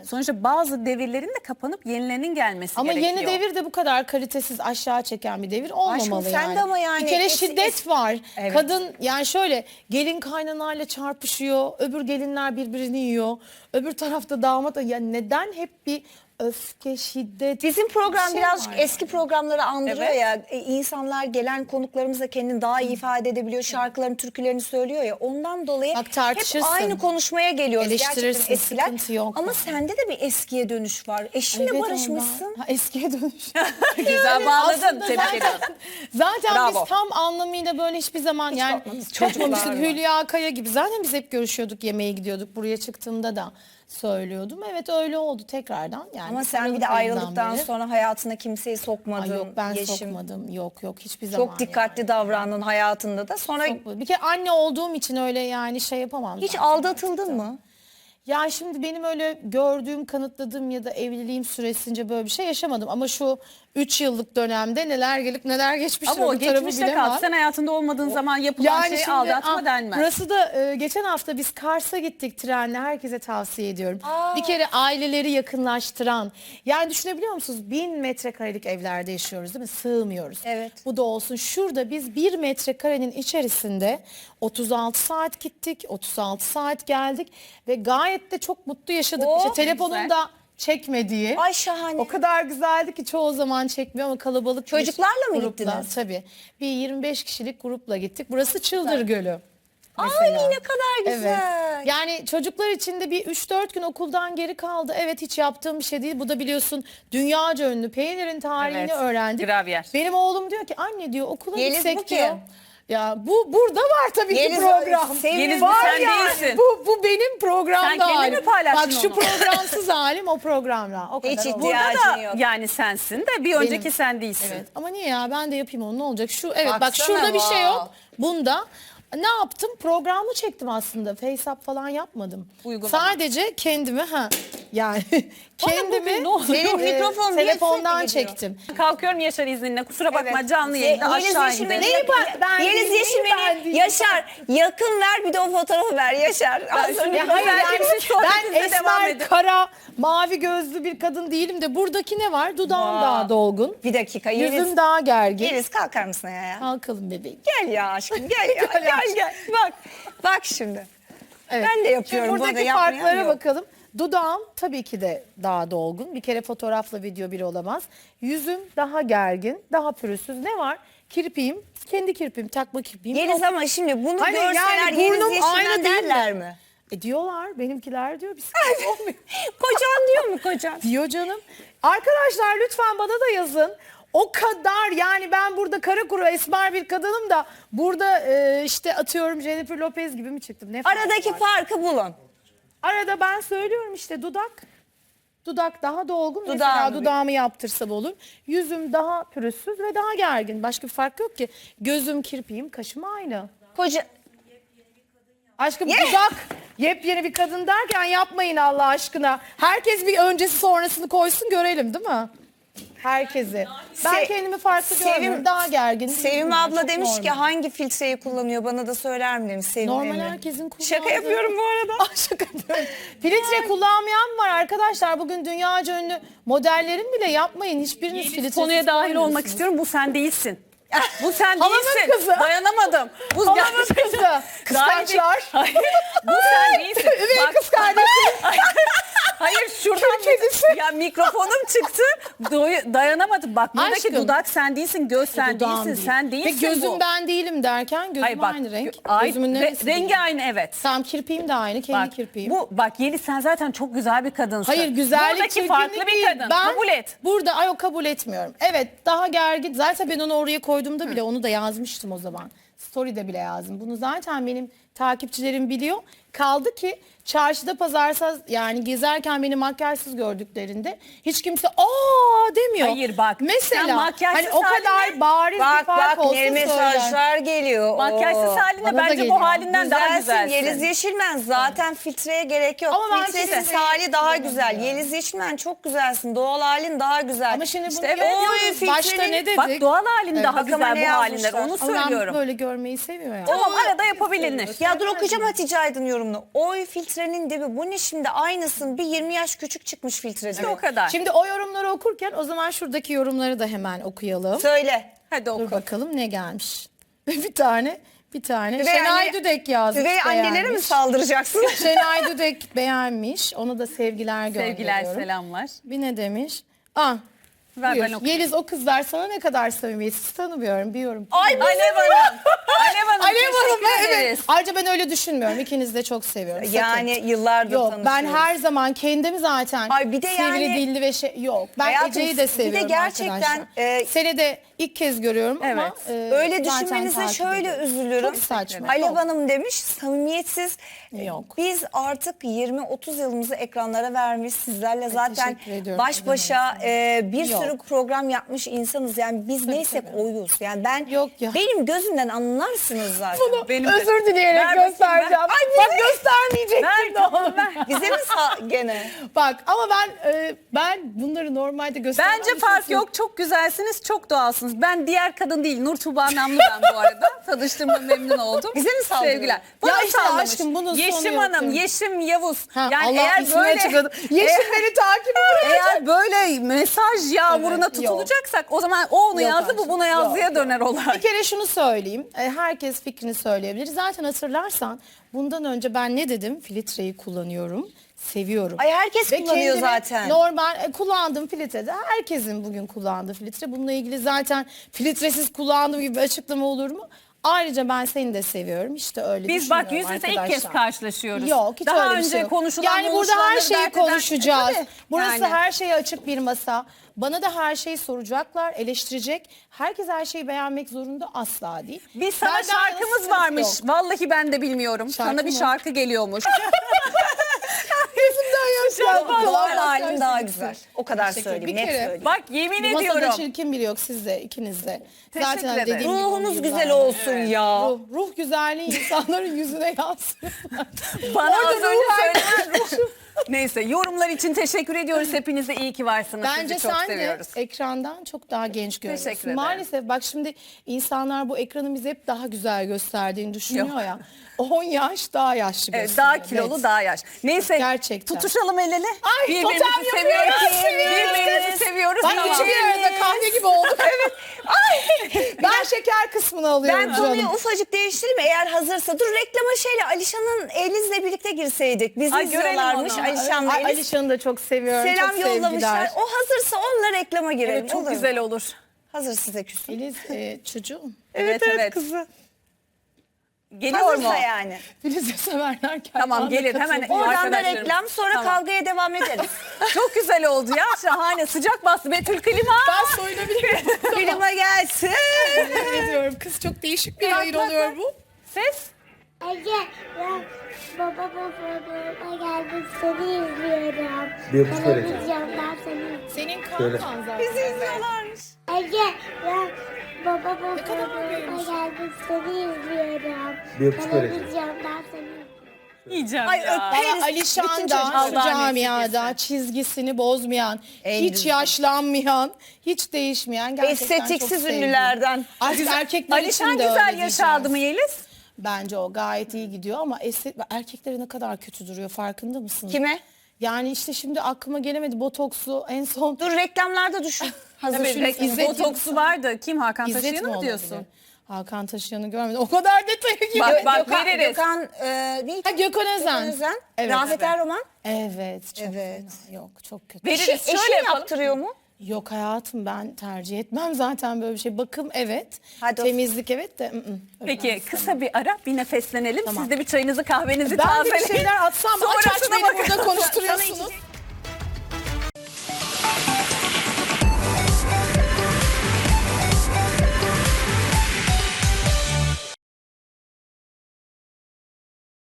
sonuçta bazı devirlerin de kapanıp yenilerinin gelmesi Ama gerekiyor. yeni devir de bu kadar kalitesiz aşağı çeken bir devir olmamalı sen yani. de ama yani bir kere şiddet var. Evet. Kadın yani şöyle gelin kaynanayla çarpışıyor. Öbür gelinler birbirini yiyor. Öbür tarafta damat. Yani neden hep bir öfke, şiddet? Bizim program bir şey birazcık var. eski programları andırıyor Evet. ya. İnsanlar gelen konuklarımız da kendini daha iyi ifade edebiliyor. Şarkıların, türkülerini söylüyor ya. Ondan dolayı Bak, hep tartışırsın. aynı konuşmaya geliyoruz. Eleştirirsin, Gerçekten eskiler. sıkıntı yok. Ama sende de bir eskiye dönüş var. Eşinle Evet, barışmışsın. ondan. Ha, eskiye dönüş. Güzel bağladın. Aslında Tebrik ediyorum. Zaten Bravo. biz tam anlamıyla böyle hiçbir zaman yani bakmadınız. Çocuklar kopmamıştık. var. Hülya Kaya gibi zaten biz hep görüşüyorduk, yemeğe gidiyorduk. Buraya çıktığımda da söylüyordum. Evet öyle oldu tekrardan. Yani Ama sen bir Aralık de ayından ayrıldıktan beri. sonra hayatına kimseyi sokmadın. Ay yok ben Yeşim. sokmadım. Yok hiçbir zaman. Çok dikkatli davrandın hayatında da. Sonra Bir kere anne olduğum için öyle yani şey yapamam. hiç zaten. aldatıldın mı? Ya şimdi benim öyle gördüğüm, kanıtladığım ya da evliliğim süresince böyle bir şey yaşamadım. Ama şu 3 yıllık dönemde neler gelip neler geçmiştir. Ama o bu tarafı geçmişte bilemem. kaldı. Sen hayatında olmadığın zaman yapılan şey şimdi, aldatma denmez. Burası da geçen hafta biz Kars'a gittik trenle, herkese tavsiye ediyorum. Bir kere aileleri yakınlaştıran, yani düşünebiliyor musunuz? 1000 metrekarelik evlerde yaşıyoruz değil mi? Sığmıyoruz. Evet. Bu da olsun. Şurada biz 1 metrekarenin içerisinde 36 saat gittik, 36 saat geldik ve gayet de çok mutlu yaşadık. Oh, İşte telefonun güzel. da çekmediği. Ay şahane. O kadar güzeldi ki çoğu zaman çekmiyor ama kalabalık bir Çocuklarla mı grupla, gittiniz? Tabii. Bir 25 kişilik grupla gittik. Burası Çıldır Gölü. Ay mesela. ne kadar güzel. Evet. Yani çocuklar için de bir 3-4 gün okuldan geri kaldı. Evet hiç yaptığım bir şey değil. Bu da biliyorsun dünyaca ünlü peynirin tarihini Evet, öğrendik. gravyer. Benim oğlum diyor ki anne diyor okula Yeliz bu gitsek kim? diyor. Ya bu burada var tabii ki Yeliz program. Yeliz Var sen yani. değilsin. Bu benim programda Sen kendin mi halim. paylaştın Bak şu onu? programsız halim o programda. O kadar Hiç oldu. iddia- Burada da yok. yani sensin de bir önceki sen değilsin. Evet ama niye ya ben de yapayım onu ne olacak? Şu evet bak Baksana, şurada bir şey yok. wow. Bunda ne yaptım? Programı çektim aslında. FaceApp falan yapmadım. Uygulama. Sadece kendimi yani kendimi bugün ne oluyor? Senin mikrofon niye telefondan sürekli gidiyor? çektim. Kalkıyorum Yaşar izninle. Kusura bakma Evet. canlı yayında Yeliz aşağı Yeşilmen'i indim. Neyi ben Yeliz değilim, neyi ben Yeşilmen'i değilim? Yaşar yakın ver bir de o fotoğrafı ver Yaşar. Az önce Ya hayır verdiğimiz yani sohbetimize ben devam esmer, edin. kara, mavi gözlü bir kadın değilim de buradaki ne var? Dudağım daha dolgun. Bir dakika Yüzüm Yeliz. daha gergin. Yeliz kalkar mısın ya? Kalkalım bebeğim. Gel ya aşkım gel ya. gel. Bak şimdi. Evet. Ben de yapıyorum. Şimdi burada buradaki yapmayan farklara yok. bakalım. Dudağım tabii ki de daha dolgun. Bir kere fotoğrafla video bir olamaz. Yüzüm daha gergin, daha pürüzsüz. Ne var? Kirpiğim, kendi kirpiğim, takma kirpiğim Yeliz yok. ama şimdi bunu Hani görseler yani Yeliz burnum Yeşilmen aynı değil mi? derler mi? Diyorlar, benimkiler diyor. Bir sıkıntı olmuyor. Kocan diyor mu kocan? Diyor canım. Arkadaşlar lütfen bana da yazın. O kadar yani ben burada kara kuru esmer bir kadınım da burada işte atıyorum Jennifer Lopez gibi mi çıktım? Ne fark Aradaki var? farkı bulun. Arada ben söylüyorum işte dudak. Dudak daha dolgun. Dudağım Mesela büyük. dudağımı yaptırsam olur. Yüzüm daha pürüzsüz ve daha gergin. Başka bir fark yok ki. Gözüm, kirpiğim, kaşım aynı. Koca Aşkım dudak yepyeni bir kadın derken yapmayın Allah aşkına. Herkes bir öncesi sonrasını koysun görelim değil mi? Herkesi. Ben Se- kendimi farklı Sevim- görmüyorum. Daha gergin. Sevim Çok abla demiş ki normal. hangi filtreyi kullanıyor bana da söyler mi demiş Sevim Normal Emre. herkesin kullandığı. Şaka yapıyorum bu arada. Ah, şaka yapıyorum. Filtre kullanmayan var arkadaşlar. Bugün dünyaca ünlü modellerin bile yapmayın. Hiçbiriniz filtre Konuya dahil olmak istiyorum. Bu sen değilsin. Bu sen Halamın değilsin. kızı. Dayanamadım. Bu Halamın gerçekten- kızı. Dahil Kıskançlar. değil. Hayır. Bu sen değilsin. Üvey Bak- kız kardeşim. Hayır şuradan kedisi. ya mikrofonum çıktı. Dayanamadım. Bak buradaki Aşkım. dudak sen değilsin. Göz sen Dudağım değilsin. değil. Sen değilsin Ve gözüm bu. ben değilim derken gözüm Hayır bak. aynı renk. Ay, Gözümün neresi rengi değil? aynı evet. Tamam kirpiğim de aynı. Kendi Bak, kirpiğim. bak Yeliz sen zaten çok güzel bir kadınsın. Hayır güzellik Buradaki çirkinlik farklı bir değil. kadın. Ben Kabul et. Burada o kabul etmiyorum. Evet daha gergin. Zaten ben onu oraya koyduğumda bile onu da yazmıştım o zaman. Story'de bile yazdım. Bunu zaten benim takipçilerim biliyor. Kaldı ki çarşıda pazarsa yani gezerken beni makyajsız gördüklerinde hiç kimse aa demiyor. Hayır bak, Mesela sen makyajsız hani o kadar haline- bariz bir Bak fark bak olsa ne söyler. mesajlar geliyor. Makyajsız Oo. haline Bana da bence geliyor. bu halinden daha güzelsin. Yeliz Yeşilmen zaten filtreye gerek yok. Ama ben Filtresiz filtreyi hali daha güzel. kullanıyorum. Yeliz Yeşilmen çok güzelsin. Doğal halin daha güzel. Ama şimdi bunu İşte yapıyoruz. oy, Başta filtrenin- ne dedik? Bak doğal halin daha Bak ama güzel ne bu halinden yazmışlar? onu Ama ben söylüyorum. böyle görmeyi seviyor ya. Tamam, arada yapabilir. Ya dur okuyacağım Hatice Aydın yorumunu. Oy filtrenin dibi bu ne şimdi aynısın bir 20 yaş küçük çıkmış filtre diyor. O kadar. Şimdi o yorumları okurken o zaman şuradaki yorumları da hemen okuyalım. Söyle. Hadi Dur oku. bakalım ne gelmiş. bir tane. Üvey Şenay anne- Düdek yazmış. Üvey annelere mi beğenmiş. saldıracaksın? Şenay Düdek beğenmiş. Ona da sevgiler gönderiyorum. Sevgiler, selamlar. Bir ne demiş? Ah. Ver Buyur. ben okuyayım. Yeliz o kızlar sana ne kadar samimiyetsiz tanımıyorum bir yorum. Ay Alev Hanım. Alev Hanım, Alev Hanım teşekkür evet. ederiz. Ayrıca ben öyle düşünmüyorum. İkinizi de çok seviyorum. Sakın. Yani yıllardır Yok ben tanışıyoruz. her zaman kendimi zaten Ay bir de sivri yani- dilli ve yok. Ben Hayatım, Ece'yi bir de de seviyorum gerçekten, arkadaşlar. Seni de ilk kez görüyorum ama Öyle zaten düşünmenize takip şöyle ediyorum. üzülürüm. Çok saçma. Alev Yok. Hanım demiş samimiyetsiz. Yok. Biz artık 20-30 yılımızı ekranlara vermiş sizlerle zaten teşekkür ediyorum. baş başa bir Yok. sürü program yapmış insanız. Yani biz neysek oyuz. Yani ben Yok ya. benim gözümden anlarsınız zaten. Benim de. Özür dileyerek Ver bakayım, göstereceğim. ver. Bak göstermeyecektim. Ver tamam ver. Bize mi gene? Bak ama ben bunları normalde göstermem. Bence fark yok. Çok güzelsiniz, çok doğalsınız. Ben diğer kadın değil, Nur Tuğba Namlı ben bu arada. Tanıştığıma memnun oldum. Bize mi saldırıyor? Sevgiler. Bana Ya işte sallamış. aşkım, bunun sonu Yeşim yok Hanım, diyorum. Yeşim Yavuz. Ha, Yani Allah eğer ismini böyle açıkladı. Yeşim beni takip ediyor. eğer böyle mesaj yağmuruna Evet, yok. tutulacaksak o zaman o onu Yok yazdı, bu aşkım, buna yazdıya yok, döner olay. Bir kere şunu söyleyeyim. Herkes fikrini söyleyebilir. Zaten hatırlarsan bundan önce ben ne dedim? Filtreyi kullanıyorum. Seviyorum. Ay herkes Ve kullanıyor kendime zaten. Normal kullandığım filtrede herkesin bugün kullandığı filtre. Bununla ilgili zaten filtresiz kullandığım gibi bir açıklama olur mu? Ayrıca ben seni de seviyorum. İşte öyle Biz bak düşünüyorum yüz yüze ilk arkadaşlar. kez karşılaşıyoruz. Yok hiç Daha öyle bir önce şey yok. konuşulan Yani burada her buluşulanları şeyi dert eden- konuşacağız. Tabii. Burası Yani. her şeye açık bir masa. Bana da her şeyi soracaklar, eleştirecek. Herkes her şeyi beğenmek zorunda asla değil. Biz sana Benden şarkımız sıkıntı varmış. yok. Vallahi ben de bilmiyorum. Şarkı Sana bir mı? şarkı geliyormuş. Yüzümden yaş geldi. Doğal Allah halim kahretsin. daha güzel. O kadar Teşekkür söyleyeyim. Bir Net kere- söyleyeyim. Bak yemin Bu masada ediyorum. çirkin biri yok sizde, ikinizde. Teşekkür Zaten ederim. dediğim gibi Ruhunuz on güzel yıllardır. olsun ya. Ruh güzelliği insanların yüzüne yansıyor. Bana Orada az önce ruh söylenen Neyse yorumlar için teşekkür ediyoruz. Hepinize iyi ki varsınız. Bence Sizi çok sen seviyoruz. de ekrandan çok daha genç görünüyorsun. Teşekkür ederim. Maalesef bak şimdi insanlar bu ekranı bize hep daha güzel gösterdiğini düşünüyor Yok. ya. 10 yaş daha yaşlı Evet, gösteriyor. daha kilolu, Evet. daha yaş. Neyse Gerçekten. tutuşalım el ele. Ay, Birbirimizi totem seviyoruz. yapıyoruz. Birbirimizi seviyoruz. Bak Tamam. üçü bir arada kahve gibi olduk. Evet. Ben şeker kısmını alıyorum Ben konuyu canım. ufacık değiştireyim eğer hazırsa. Dur reklama şeyle Alişan'ın Eliz'le birlikte girseydik. Bizi Ay, görelim izliyorlarmış onu. Alişan'la Ay, Eliz. Alişan'ı da çok seviyorum. Selam çok yollamışlar. sevgiler. O hazırsa onunla reklama girelim. Evet, çok olur mu? güzel olur. Hazır size küsüm. Eliz çocuğum. Evet, evet. Kızı. Geliyor mu? Hazırsa yani. Filiz'e severler. Tamam, gelir. Hemen Oradan da arkadaşlarım. reklam sonra Tamam. kavgaya devam ederiz. Çok güzel oldu ya. Şahane. Sıcak bastı. Betül klima. Ben soyunabilirim. Klima gelsin. Yemin ediyorum kız çok değişik bir yayın oluyor bu. Ses. Ece, ben babamın programına geldim, seni izliyorum. Bir öpücük ver Ece. Televizyondan seni izliyorum. Senin Şöyle. kankan zaten. Bizi izliyorlarmış. Ece, ben babamın Ne kadar programına büyümüş. geldim, seni izliyorum. Bir öpücük ver Ece. Televizyondan seni izliyorum. Yiyeceğim Ay, ya. öperiz. Ama Alişan Bütün da çocuklar- şu camiada çizgisini bozmayan, En hiç güzel. yaşlanmayan, hiç değişmeyen gerçekten çok Estetiksiz sevdiğim. ünlülerden. Artık erkekler Alişan için de güzel öyle yaş aldı mı diyeceğiz. Yeliz? Bence o gayet iyi gidiyor ama erkeklere ne kadar kötü duruyor farkında mısın? Kime? Yani işte şimdi aklıma gelemedi botokslu en son. Dur reklamlarda düşün. Hazır Tabii, şimdi. İzzet botoksu vardı. Kim? Hakan İzzet Taşıyan'ı mi mı olabilir? diyorsun? Hakan Taşıyan'ı görmedim. O kadar detaya girmedim. Bak, veririz. Gökhan neydi? Ha, Gökhan Özen. Evet. Rafet Erroman. Evet. Çok Evet. fena. Yok çok kötü. Veririz. Eşi Şöyle yapalım. yaptırıyor mu? Yok hayatım ben tercih etmem zaten böyle bir şey. Bakım evet. Hadi o- Temizlik evet de. Öyle ben Peki istemem. kısa bir ara, bir nefeslenelim. Tamam. Siz de bir çayınızı kahvenizi Ben de bir tazeleyin. şeyler atsam aç aç Sonrasına beni bakarız. burada konuştur.